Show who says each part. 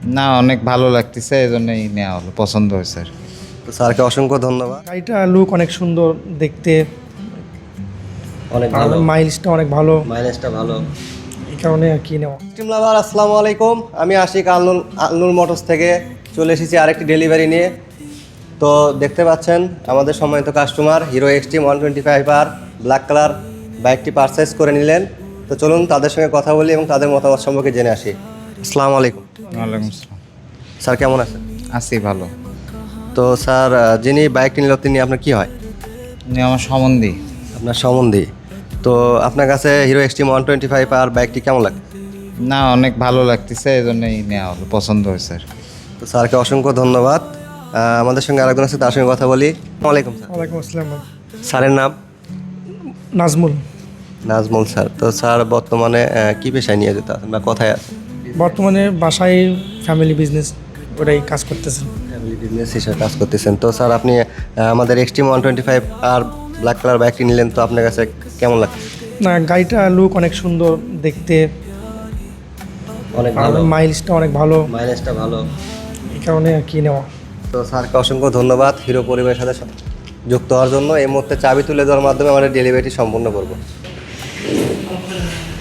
Speaker 1: না, অনেক ভালো লাগতেছে, এই জন্যই নেওয়া হলো, পছন্দ হয়েছে আর কি।
Speaker 2: তো স্যারকে অসংখ্য ধন্যবাদ।
Speaker 3: গাড়িটা লুক অনেক সুন্দর দেখতে,
Speaker 2: অনেক
Speaker 3: আর
Speaker 2: ভালো,
Speaker 3: মাইলেজটা অনেক ভালো,
Speaker 2: মাইলেজটা ভালো।
Speaker 3: এই কারণে আর কি নেওয়া।
Speaker 2: স্ট্রিম লাভার আসসালামু আলাইকুম, আমি আশিক আলনুর মোটরস থেকে চলে এসেছি আরেকটি ডেলিভারি নিয়ে। তো দেখতে পাচ্ছেন আমাদের সম্মানিত customer Hero Extreme 125R black colour বাইকটি পারচেস করে নিলেন। তো চলুন তাদের সঙ্গে কথা বলি এবং তাদের মতামত সম্পর্কে জেনে আসি। আসসালামু আলাইকুম
Speaker 1: ওয়ালাইকুম আসসালাম।
Speaker 2: স্যার, কেমন আছেন?
Speaker 1: আছি ভালো।
Speaker 2: তো স্যার, যিনি বাইকটি নিল তিনি আপনার কি হয়?
Speaker 1: উনি আমার সম্বন্ধী।
Speaker 2: আপনার সম্বন্ধী। তো আপনার কাছে হিরো এক্সট্রিম 125R বাইকটি কেমন লাগে?
Speaker 1: না, অনেক ভালো লাগতেছে, এই জন্যই নেওয়া হলো, পছন্দ হয়েছে আর কি।
Speaker 2: তো স্যারকে অসংখ্য ধন্যবাদ। আমাদের সঙ্গে আরেকজন আছে, তার সঙ্গে কথা বলি। আসসালামু আলাইকুম স্যার।
Speaker 3: ওয়ালাইকুম আসসালাম।
Speaker 2: স্যারের নাম?
Speaker 3: নাজমুল।
Speaker 2: নাজমুল স্যার। তো স্যার বর্তমানে কি পেশায় নিয়ে যেতে আছেন বা কোথায় আছেন?
Speaker 3: বর্তমানে বাসায় ফ্যামিলি বিজনেস ওটাই কাজ করতেছেন।
Speaker 2: ফ্যামিলি বিজনেস হিসেবে কাজ করতেছেন। তো স্যার আপনি আমাদের এক্সট্রিম 125R ব্ল্যাক কালার বাইকটি নিলেন, তো আপনার কাছে কেমন লাগছে?
Speaker 3: না, গাড়িটা লুক অনেক সুন্দর দেখতে,
Speaker 2: অনেক
Speaker 3: আর মাইলেজটা অনেক ভালো,
Speaker 2: মাইলেজটা ভালো।
Speaker 3: এই কারণে আর কি নেওয়া।
Speaker 2: তো স্যারকে অসংখ্য ধন্যবাদ হিরো পরিবারের সাথে যুক্ত হওয়ার জন্য। এই মুহূর্তে চাবি তুলে দেওয়ার মাধ্যমে আমরা ডেলিভারিটি সম্পূর্ণ করব।